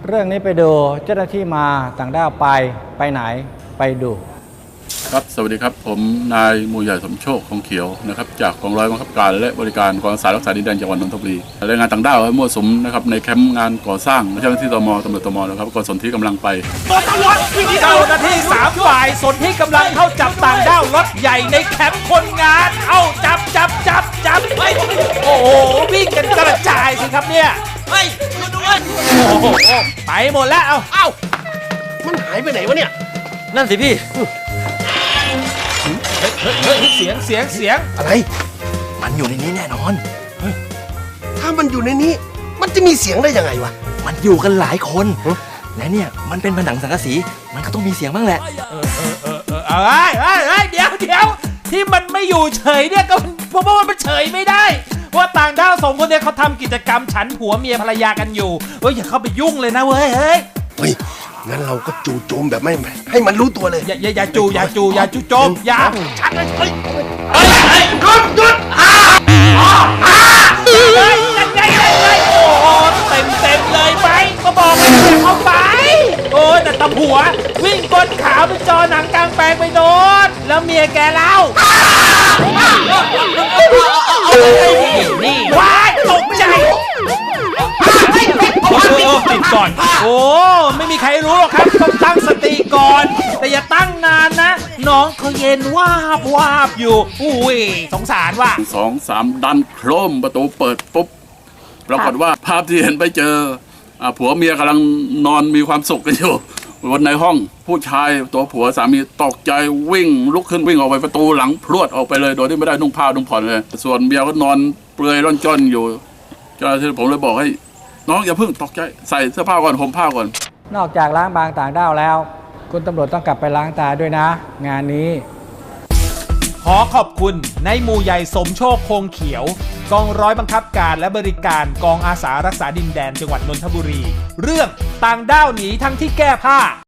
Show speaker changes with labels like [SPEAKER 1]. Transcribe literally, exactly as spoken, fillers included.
[SPEAKER 1] เรื่องนี้ไปดูเจ้าหน้าที่มาต่างด้าวไปไปไหนไปดู
[SPEAKER 2] ครับสวัสดีครับผมนายมูใหญ่สมโชคคงเขียวนะครับจากกองร้อยบังคับการและบริการกองอาสารักษาดินแดนจังหวัดนนทบุรีแรงงานต่างด้าวมั่วสุมนะครับในแคมป์งานก่อสร้างเจ้าหน้าที่ตม.ตำรวจตม.นะครับก็สนที่กำลังไป
[SPEAKER 3] เจ้าหน้าที่สามฝ่ายสนที่กำลังเข้าจับต่างด้าวรถใหญ่ในแคมป์คนงานเอาจับจับจับจับโอ้โหวิ่งกันกระจายสิครับเนี่ยเฮ้ยด้วยโอ้โหไปหมดแล้วเอาเอ้า
[SPEAKER 4] มันหายไปไหนวะเนี่ย
[SPEAKER 5] นั่นสิพี่
[SPEAKER 3] เฮ้ยเสียงเสียงเสียง
[SPEAKER 4] อะไร
[SPEAKER 5] มันอยู่ในนี้แน่นอน
[SPEAKER 4] ถ้ามันอยู่ในนี้มันจะมีเสียงได้ยังไงวะ
[SPEAKER 5] มันอยู่กันหลายคนและเนี่ยมันเป็นผนังสังกะสีมันก็ต้องมีเสียงบ้างแหละ
[SPEAKER 3] เออเออเออเออเอ้ยเอ้ยเอ้ยเดี๋ยวเดี๋ยวที่มันไม่อยู่เฉยเนี่ยก็เพราะว่ามันเฉยไม่ได้ว่าต่างด้าวสองคนเนี่ยเขาทำกิจกรรมฉันผัวเมียภรรยากันอยู่เฮ้ยอย่าเข้าไปยุ่งเลยนะเว้ยเฮ้ย
[SPEAKER 4] เฮ้ยงั้นเราก็จู่โจมแบบไม่ให้มันรู้ตัวเลย
[SPEAKER 3] อย่าอย่าอย่าจู่อย่าจู่อย่าจู่โจมอย่า
[SPEAKER 4] ชัดเลยเฮ้ย
[SPEAKER 3] เฮ้ยเฮ้ยหยุดหยุดอ่าอ่าเฮ้ยยังไงยังไงโอ้เต็มเต็มเลยไปก็บอกให้อย่าเข้าไปโอ้แต่ตำหัววิ่งก้นขาวเป็นจอหนังกลางแปลงไปโดนแล้วเมียแกเล่านี่ว้ายตกใจติดก่อนโอ้ไม่มีใครรู้หรอกครับต้องตั้งสติก่อนแต่อย่าตั้งนานนะน้องเขาเย็นวาบวาบอยู่อุ้ยสงสารว่ะ
[SPEAKER 2] สองสามดันโครมประตูเปิดปุ๊บปรากฏว่าภาพที่เห็นไปเจอผัวเมียกำลังนอนมีความสุขกันอยู่บนในห้องผู้ชายตัวผัวสามีตกใจวิ่งลุกขึ้นวิ่งออกไปประตูหลังพรวดออกไปเลยโดยที่ไม่ได้นุ่งผ้านุ่งผ่อนเลยส่วนเมียก็นอนเปลือยร่อนจ้อนอยู่เจ้าหน้าที่ผมเลยบอกให้น้องอย่าเพิ่งตกใจใส่เสื้อผ้าก่อนห่มผ้าก่อน
[SPEAKER 1] นอกจากล้างบางต่างด้าวแล้วคุณตำรวจต้องกลับไปล้างตาด้วยนะงานนี้
[SPEAKER 3] ขอขอบคุณนายหมู่ใหญ่สมโชคคงเขียวกองร้อยบังคับการและบริการกองอาสารักษาดินแดนจังหวัดนนทบุรีเรื่องต่างด้าวหนีทั้งที่แก้ผ้า